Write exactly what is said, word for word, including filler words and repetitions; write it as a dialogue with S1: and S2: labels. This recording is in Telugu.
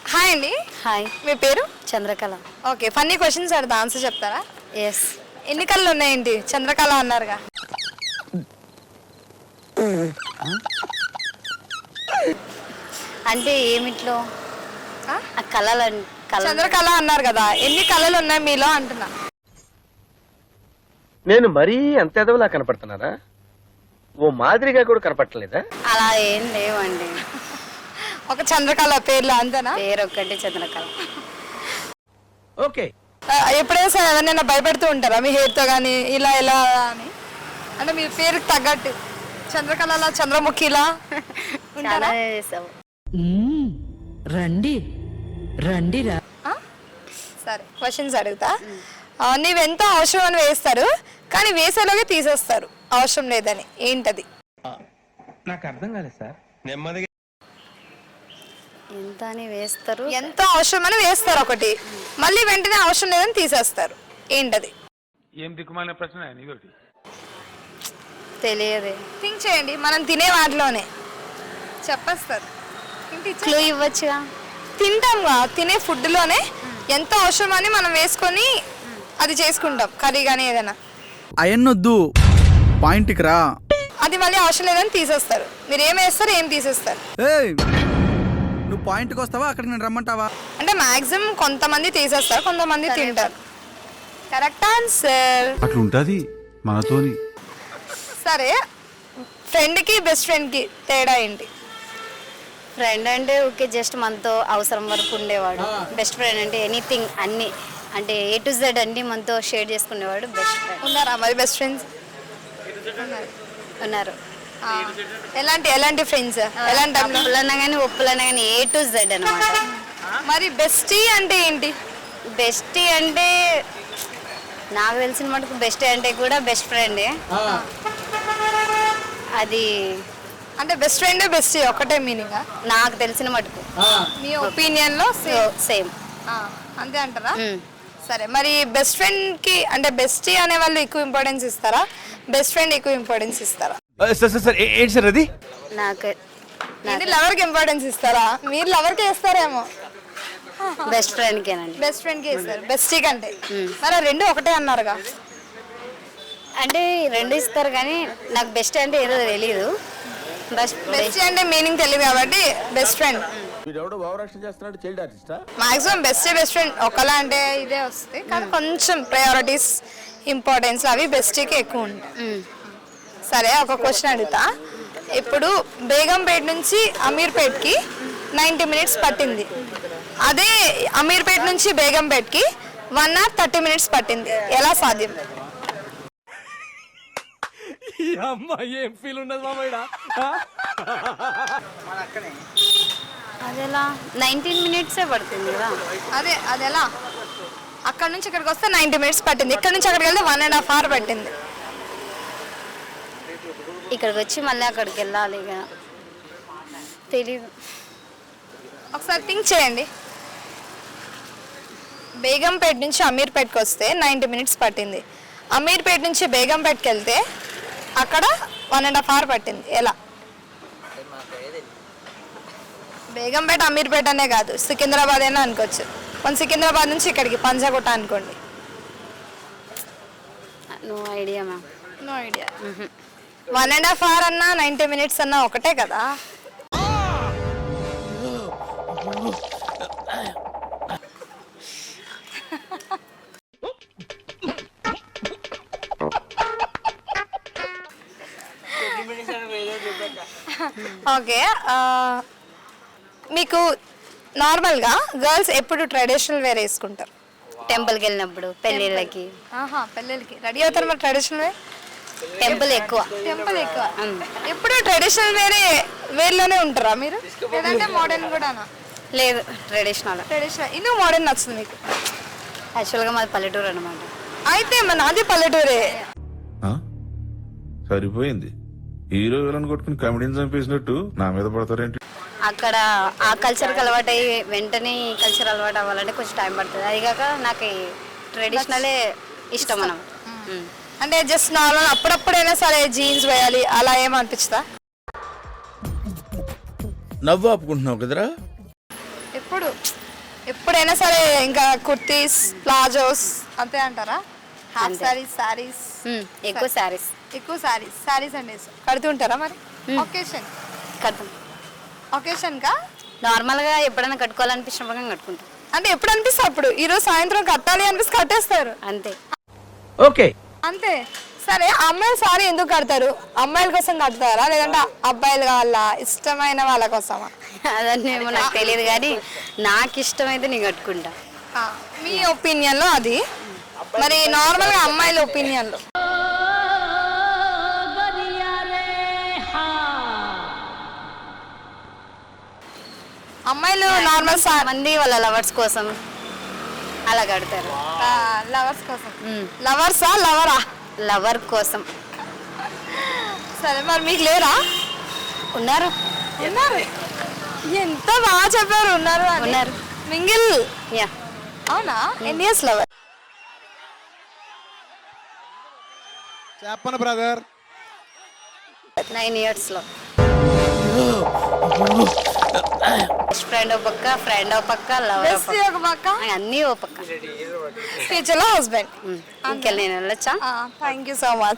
S1: హాయ్ అండి.
S2: హాయ్,
S1: మీ పేరు?
S2: చంద్రకళ.
S1: ఓకే, ఫన్నీ క్వశ్చన్స్ అడుగుతా, ఆన్సర్ చెప్తారా?
S2: ఎస్.
S1: ఎన్ని కళ్ళు ఉన్నాయేంటి? చంద్రకళ అన్నారుగా.
S2: అంటే ఏమిట్లో
S1: ఆ?
S2: ఆ కళలు కళ
S1: చంద్రకళ అన్నారు కదా, ఎన్ని కళలు ఉన్నాయి మీలో అంటున్నా.
S3: నేను మరీ అంత ఎదవలా కనపడుతున్నారా? ఓ మాదిరిగా కూడా కనపడలేదా?
S2: అలా ఏం లేవండి.
S1: ఒక చంద్రకళ పేర్లు అంతేనా?
S2: పేరు ఒక్కటి చంద్రకళ.
S3: ఓకే.
S1: ఆ, ఎప్పుడైనా సరే ఎవరినైనా భయపెడుతూ ఉంటారా మీ హెయిర్తో కానీ ఇలా ఇలా అని? అంటే మీ పేరుకి తగ్గట్టు చంద్రకళలా చంద్రముఖిలా
S2: చాలా
S1: ఉంటారా?
S2: చేసావు.
S4: మ్మ్. రండి రండిరా.
S1: ఆ? సరే, క్వశ్చన్స్ అడుగుతా. ఆ, నీవెంత అవసరం అని వేస్తారు, కానీ వేసేలోగే తీసేస్తారు అవసరం లేదని. ఏంటది?
S5: నాకు అర్థం కాలేదు సార్. నెమ్మదిగా
S2: ఎంత అని వేస్తారు?
S1: ఎంత అవసరం అని వేస్తారు ఒకటి, మళ్ళీ వెంటనే అవసరం లేదని తీసేస్తారు. ఏంటది?
S5: ఏం దిక్కుమాలిన ప్రశ్న ఇదొకటి.
S2: తెలియదే.
S1: థింక్ చేయండి, మనం తినే వాటిలోనే చెప్పేస్తారు.
S2: క్లూ ఇవ్వచ్చుగా.
S1: తింటాంగా, తినే ఫుడ్లోనే ఎంత అవసరం అని మనం వేసుకొని అది చేసుకుంటాం, కర్రీ కానీ ఏదైనా.
S6: అయన్నొద్దు, పాయింట్కి రా.
S1: అది మళ్ళీ అవసరం లేదని తీసేస్తారు. మీరు ఏం వేస్తారు, ఏం తీసేస్తారు?
S6: ఏయ్, నువ్వు పాయింట్కి వస్తావా, అక్కడికి నేను రమ్మంటావా?
S1: అంటే మాక్సిమం కొంతమంది తీసేస్తారు, కొంతమంది తింటారు. Correct answer.
S7: అట్లుంటది మనతోని.
S1: సరే, ఫ్రెండ్కి బెస్ట్ ఫ్రెండ్కి తేడా ఏంటి?
S2: ఫ్రెండ్ అంటే ఓకే, జస్ట్ మనతో అవసరం వరకు ఉండేవాడు. బెస్ట్ ఫ్రెండ్ అంటే ఎనీథింగ్, అన్ని అంటే ఏ టు జెడ్ అన్ని మనతో షేర్ చేసుకునేవాడు బెస్ట్ ఫ్రెండ్.
S1: ఉన్నారా మరి బెస్ట్ ఫ్రెండ్స్?
S2: ఉన్నారు.
S1: ఆ, ఎలాంటి ఎలాంటి ఫ్రెండ్స్? ఎలాంటి టైంలో?
S2: అప్పులన్నా కానీ ఒప్పులన్నా కానీ ఏ టు జెడ్ అనమాట.
S1: మరి బెస్టీ అంటే ఏంటి?
S2: బెస్టీ అంటే నాకు తెలిసిన మటుకు బెస్ట్ అంటే కూడా బెస్ట్ ఫ్రెండే. అది
S1: అంటే బెస్ట్ ఫ్రెండ్ బెస్టీ ఒకటే మీనింగా?
S2: నాకు తెలిసిన మటుకు
S1: మీ ఒపీనియన్లో
S2: సేమ్.
S1: అంతే అంటారా? సరే, మరి బెస్ట్ ఫ్రెండ్కి అంటే బెస్టీ అనే వాళ్ళు ఎక్కువ ఇంపార్టెన్స్ ఇస్తారా, బెస్ట్ ఫ్రెండ్ ఎక్కువ ఇంపార్టెన్స్ ఇస్తారా?
S7: సార్ సార్ సార్ ఏంటి సార్ అది?
S2: నాకు
S1: ఏంటి, లవర్కి ఇంపార్టెన్స్ ఇస్తారా? మీరు లవర్కి ఇస్తారేమో.
S2: బెస్ట్ ఫ్రెండ్కేనండి.
S1: బెస్ట్ ఫ్రెండ్కి ఇస్తారు బెస్టీ కంటే. మరి ఆ రెండు ఒకటే అన్నారుగా.
S2: అంటే రెండు ఇస్తారు కానీ నాకు బెస్ట్ అంటే ఏదో తెలియదు. బెస్ట్
S1: బెస్టీ అంటే మీనింగ్ తెలియదు కాబట్టి best friend. Maximum best best friend ఒకలా అంటే ఇదే వస్తుంది, కానీ కొంచెం ప్రయారిటీస్ ఇంపార్టెన్స్ అవి బెస్టీకి ఎక్కువ ఉంటాయి. సరే, ఒక క్వశ్చన్ అడుగుతా. ఇప్పుడు బేగంపేట నుంచి అమీర్పేట్కి నైంటీ మినిట్స్ పట్టింది, అదే అమీర్పేట నుంచి బేగంపేట్కి వన్ అవర్ థర్టీ మినిట్స్ పట్టింది. ఎలా సాధ్యం?
S5: ఏం ఫీల్ ఉండదు మామయ్య.
S2: అదెలా నైన్టీన్ మినిట్సే పడుతుంది కదా.
S1: అదే అది ఎలా? అక్కడ నుంచి ఇక్కడికి వస్తే నైంటీ మినిట్స్ పట్టింది, ఇక్కడ నుంచి అక్కడికి వెళ్తే వన్ అండ్ హాఫ్ అవర్ పట్టింది.
S2: ఇక్కడికి వచ్చి మళ్ళీ అక్కడికి వెళ్ళాలి ఇక తెలీదు.
S1: ఒకసారి థింక్ చేయండి. బేగంపేట నుంచి అమీర్పేట్కి వస్తే నైంటీ మినిట్స్ పట్టింది, అమీర్పేట నుంచి బేగంపేట్కి వెళ్తే అక్కడ వన్ అండ్ హాఫ్ అవర్ పట్టింది. ఎలా? బేగంపేట అమీర్పేట అనే కాదు, సికింద్రాబాద్ అయినా అనుకోవచ్చు. మన సికింద్రాబాద్ నుంచి ఇక్కడికి పంజాగుట్ట అనుకోండి.
S2: No idea ma'am.
S1: No idea. One and half hour అన్నా నైంటీ మినిట్స్ అన్నా ఒకటే కదా. ఓకే, మీకు నార్మల్గా గర్ల్స్ ఎప్పుడు ట్రెడిషనల్ వేర్ వేసుకుంటారు?
S2: టెంపుల్కి వెళ్ళినప్పుడు, పెళ్ళిళ్ళకి.
S1: ఆహా, పెళ్ళిళ్ళకి రెడీ అవుతారు మరి ట్రెడిషనల్ వేర్?
S2: టెంపుల్ ఎక్కువ.
S1: టెంపుల్ ఎక్కువ. ఎప్పుడు ట్రెడిషనల్ వేరే వేర్లోనే ఉంటారా మీరు, లేదంటే మోడర్న్ కూడానా?
S2: లేదు, ట్రెడిషనల్.
S1: ట్రెడిషనల్. ఇందుకు మోడర్న్ నచ్చుతుంది మీకు?
S2: యాక్చువల్గా మాది పల్లెటూరు అనమాట.
S1: అయితే మన నాది పల్లెటూరే.
S7: సరిపోయింది. హీరో విలన్ కొట్టుకుని కమెడీని చంపేసినట్టు నా మీద పడతారేంటి?
S2: అక్కడ ఆ కల్చర్కి అలవాటు అయ్యి వెంటనే ఈ కల్చర్ అలవాటు అవ్వాలంటే కొంచెం టైం పడుతుంది. అది కాక నాకు ట్రెడిషనలే ఇష్టం మనం.
S1: అంటే జస్ట్ నార్మల్ అప్పుడప్పుడైనా సరే జీన్స్ వేయాలి అలా ఏమనిపిస్తుందా?
S8: నవ్వు ఆపుకుంటున్నావు కదరా?
S1: ఎప్పుడు ఎప్పుడైనా సరే ఇంకా కుర్తీస్ ప్లాజోస్ అంతే అంటారా? హాఫ్
S2: అంతే.
S1: సారీస్ సారీస్
S2: ఉమ్, ఎక్కువ శారీస్
S1: ఎక్కువ సారీస్ సారీస్ అండి కడుతుంటారా మరి? ఒకేషన్
S2: కడతాం.
S1: ఒకేషన్ కా
S2: నార్మల్గా ఎప్పుడైనా కట్టుకోవాలనిపించినప్పుడు కట్టుకుంటాం
S1: అంటే ఎప్పుడు అనిపిస్తే అప్పుడు ఈ రోజు సాయంత్రం కట్టాలి అనిపిస్తే కట్టేస్తారు
S2: అంతే.
S3: ఓకే.
S1: అంతే. సరే అమ్మాయిలు సారీ ఎందుకు కడతారు? అమ్మాయిల కోసం కడతారా లేదంటే అబ్బాయిలు వాళ్ళ ఇష్టమైన వాళ్ళ కోసమా?
S2: అదన్నీ ఏమో నాకు తెలియదు కానీ నాకు ఇష్టమైతే నేను కట్టుకుంటా.
S1: ఆ, మీ ఒపీనియన్ లో అది. మరి నార్మల్ గా అమ్మాయిల ఒపీనియన్ లో అమ్మాయిలు నార్మల్
S2: మంది వాళ్ళ లవర్స్ కోసం అలా కడతారు.
S1: లవర్స్ కోసం.
S2: మ్మ్.
S1: లవర్సా లవరా?
S2: లవర్ కోసం
S1: సరే మరి మీకు లేరా?
S2: ఉన్నారు.
S1: ఉన్నారు. ఎంత బాగా చెప్పారు ఉన్నారు అని.
S2: ఉన్నారు.
S1: మింగిల్.
S2: యా
S1: అవునా? ఎన్ని ఇయర్స్ లవర్?
S6: చెప్పను బ్రదర్.
S2: నైన్ ఇయర్స్లో బెస్ట్ ఫ్రెండ్ ఓ పక్క, ఫ్రెండ్ ఓ పక్క, లవర్ ఓ
S1: బెస్ట్
S2: పక్క,
S1: ఒక పక్క,
S2: అన్నీ ఓ పక్క.
S1: ఫ్యూచర్ లో హస్బెండ్.
S2: ఇంకెళ్ళి నేను వెళ్ళొచ్చా?
S1: Thank you so much.